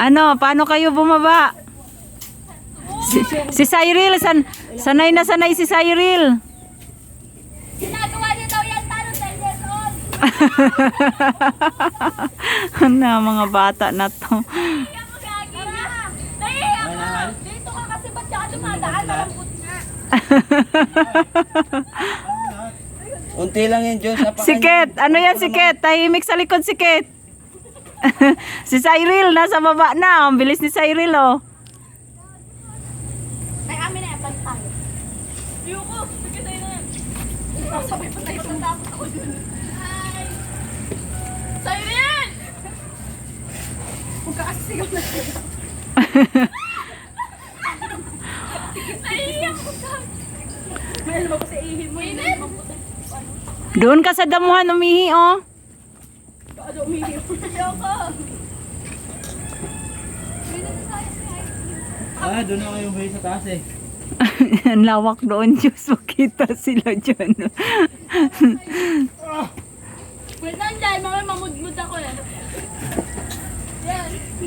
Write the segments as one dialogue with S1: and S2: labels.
S1: Ano, paano kayo bumaba? Si Cyril, sanay na sanay si Cyril.
S2: Ginagawa niya daw yan, talo 10 years old.
S1: Na mga bata na to.
S2: Nahiya mo, Gagi. Nahiya ka. Dito ka kasi ba't ka dumadaan? Malambot nga.
S3: Unti lang yan, Diyos.
S1: Siket, ano yan Siket? Tahimik sa likod Siket. Si Cyril, nasa baba na. Ang bilis ni Cyril, oh.
S2: Ay, amin na yan, pantay. Ayoko, sige tayo na yan. Sabay pa tayo sa tapos ako dun. Ay! Siren! Huwag ka kasi sigaw na siya. Naiiyak ko ka. May alam ako sa ihim mo. Init!
S1: Doon ka sa damuhan umihi, oh.
S2: Ano umiiyak? Ayoko.
S3: Doon na kayong bahay sa taas eh.
S1: Ang lawak doon, Diyos. Makita sila dyan.
S2: Wait lang dyan, mamaya mamudmud ako eh. Yan.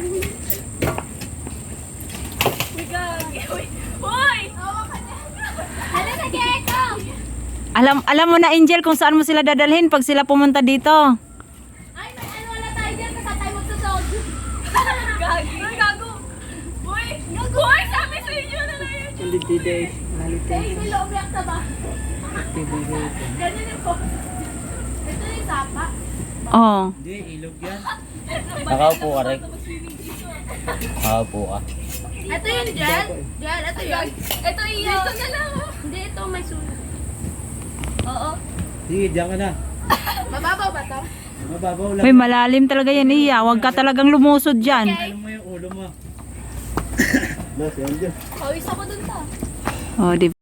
S2: Uy, gagi. Uy! Hawak ka na. Ano na, Geko?
S1: Alam mo na, Angel, kung saan mo sila dadalhin pag sila pumunta dito.
S2: Ay, may ano wala tayo dyan kasi tayo magsusog. Gagi. Uy, gago. Uy, gago. Uy, sabi sa inyo na lang yun.
S3: Hindi dito eh.
S2: Ay, may loob-yak na ba? Ganyan yung po. Ito yung sapa.
S1: Oh.
S3: Hindi, ilog yan. Nakaupo ka rin. Nakaupo ka.
S2: Ito yung gel. Gel, ito yun. Ito iyo. Ito na lang. Hindi, ito may sulat. Oo.
S3: Sige, diyan ka na.
S2: Mababaw ba to?
S3: Mababaw lang.
S1: May malalim talaga yan, Iya. Huwag ka talagang lumusod dyan.
S3: Alam mo yung ulo mo. Boss, yan dyan.
S2: Pawis ako dun ta.
S1: Oh, di